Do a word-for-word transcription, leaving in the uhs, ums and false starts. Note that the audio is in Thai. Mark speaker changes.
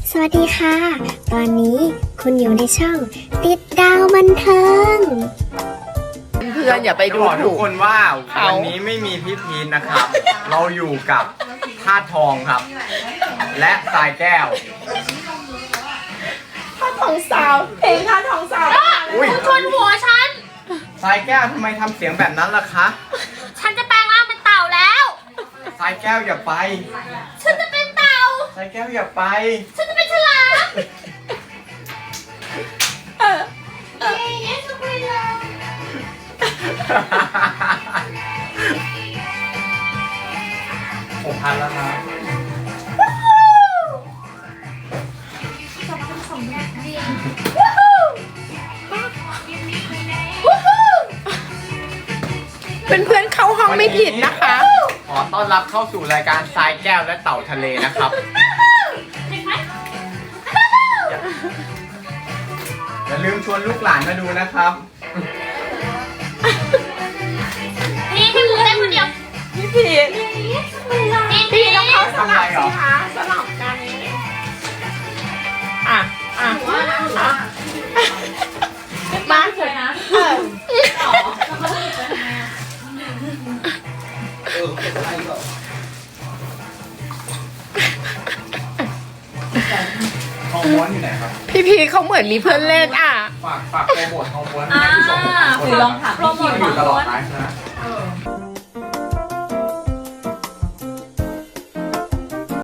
Speaker 1: สวัสดีค่ะ ตอนนี้คุณอยู่ในช่องติดดาวบันเทิง
Speaker 2: เพื่อนอย่าไปดู
Speaker 3: จะบอกทุ
Speaker 2: ถู
Speaker 3: ก
Speaker 2: ก
Speaker 3: คนว่า
Speaker 2: เขา
Speaker 3: วันนี้ไม่มีพี่พีนนะครับ เราอยู่กับธาตุทองครับ และทรายแก้ว
Speaker 2: ท่าทองสาวเพลงท่าทองสาว
Speaker 3: อุ้ย
Speaker 4: ชนหัวฉัน
Speaker 3: ทรายแก้วทำไมทำเสียงแบบนั้นล่ะคะ
Speaker 4: ฉันจะแปลงร่างเป็นเต่าแล้ว
Speaker 3: ทรายแก้วอย่าไป
Speaker 4: ฉันจะเป็นเต่า
Speaker 3: ทรายแก้วอย่าไป
Speaker 4: ฉันจะเป็นฉลามเย้เย้สุดเลย
Speaker 3: หกพันแล้วครับ
Speaker 2: เพื่อนๆเข้าห้องไม่ผิดนะคะ
Speaker 3: ขอต้อนรับเข้าสู่รายการทรายแก้วและเต่าทะเลนะครับ
Speaker 4: เห็นไหม
Speaker 3: อย่าลืมชวนลูกหลานมาดูนะครับ
Speaker 4: นี่พี่หมูเต้นคนเดียว
Speaker 2: พี่ผิด
Speaker 4: นี่
Speaker 2: พี่
Speaker 4: พี่
Speaker 2: ต้องเข้าสลับ
Speaker 3: ทำไมเหร
Speaker 2: สิ
Speaker 3: อ
Speaker 2: คะสลับกันอ่ะอ่ะอ่ะมาเถอะนะเออ
Speaker 3: ทองม้วนอยู่ไหนครับ
Speaker 2: พี่พีเขาเหมือนมีเพื่อนเล่นอ่ะ
Speaker 3: ฝากฝากโปรโมททองม้วนให้ผู้ชม
Speaker 4: คือลองถาม
Speaker 3: โปรโมทอยู่ตลอดไลฟ์นะ